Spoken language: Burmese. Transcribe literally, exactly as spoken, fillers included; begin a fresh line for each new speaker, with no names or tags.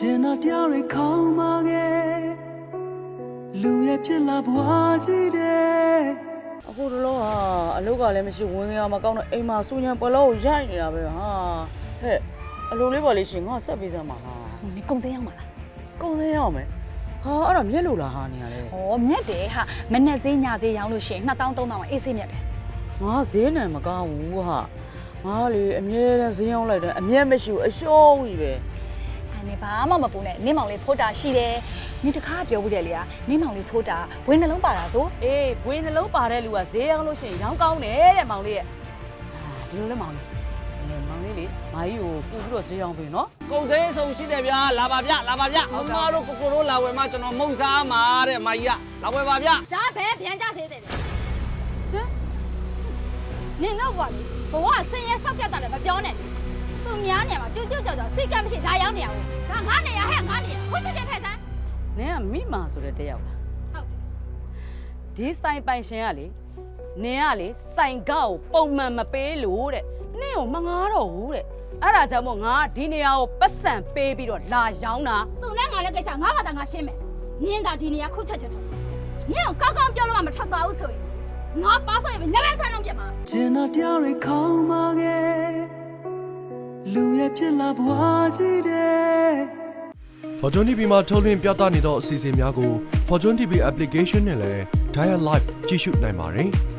ကျင်နာတရားတွေခေါင်းမာခဲ့လူရဲ့ဖြစ်လာဘွားကြီးတဲ့အခုတော့ဟာအလုပ်ကလည်းမရှိဝင်ရမှာကောင်းတော့အိမ်မှာစူညံပလောကိုရိုက်နေတာပဲဟာဟဲ့အလိုလေးပါလေးရှင်ငါဆက်ပေးစမ်းပါဟာ
နေကုံစင်းရောက်မှာလား
ကုံစင်းရောက်မယ်ဟာအဲ့ဒါမြက်လို့လားဟာနေရလဲ
ဟောမြက်တယ်ဟာမနဲ့ဈေးညဈေးရောင်းလို့ရှိရင်နှစ်သောင်းသုံးသောင်းအေးဆေးမြက်တယ်
ငါဈေးနံမကောင်းဘူးဟာငါလေအမြဲတမ်းဈေးရောက်လိုက်တယ်အမြဲမရှိဘူးအရှုံးကြီးပဲ
နေဘာမှမပူနဲ့နင်းမောင်လေးဖိုးတာရှိတယ်နင်တခါပြောဘူးတယ်လေနင်းမောင်လေးဖိုးတာဘွေးနှလုံးပါတာဆို
အေးဘွေးနှလုံးပါတဲ့လူကဈေးရောက်လို့ရှိရင်ရောင်းကောင်းတယ်တဲ့မောင်လေးရဲ့ဒီလိုလဲမောင်လေးအဲမောင်လေးလေမာကြီးကိုပူပြီးတော့ဈေးရောက်ပြီနော်
ကုန်စည်အစုံရှိတယ်ဗျာလာပါဗျလာပါဗျအမတို့ကိုကိုတို့လာဝယ်မှကျွန်တော်မုံစားမှာတဲ့မာကြီးကလာဝယ်ပါဗျ
ဒါပဲပြန်ကြစေတယ်
ရှင်
နင်တော့ဘာလဲဘဝဆင်းရဲဆောက်ပြတ်တာလည်းမပြောနဲ့သူများနေမှာကျွတ်ကျွတ်ကြော်ကြော်စိတ်ကမရှိလာရောက်နေရဘူးဒါငါနေရဟဲ့ငါနေရခွင့်ချက်ချက်ထည့်စမ်း
နင်ကမိမာဆိုတဲ့တယောက်လား
ဟုတ်
ဒီဆိုင်ပိုင်ရှင်ကလေနင်ကလေဆိုင်ကောက်ပုံမှန်မပေးလို့တဲ့နင့်ကိုမငားတော့ဘူးတဲ့အဲ့ဒါကြောင့်မို့ငါဒီနေရာကိုပတ်စံပေးပြီးတော့လာရောင်းတာ
သူနဲ့ငါလည်းကိစ္စငါဘာသာငါရှင်းမယ်နင်သာဒီနေရာခွင့်ချက်ချက်ထည့်နင်ကိုကောက်ကောက်ပြောလို့မှမထွက်သွားဘူးဆိုရင်ငါပါဆိုရင်လည်းပဲဆွဲလုံးပြမှာ
ကျင်နာတရားတွေခေါင်းမာခဲ့လူရဲ့ဖြစ်လာဘွားကြီးတဲ့
Fortune တီ ဗီ မှာထုတ်လွှင့်ပြသနေသောအစီအစဉ်များကို Fortune တီ ဗီ application နဲ့လည်း Dial Live ကြည့်ရှုနိုင်ပါတယ်။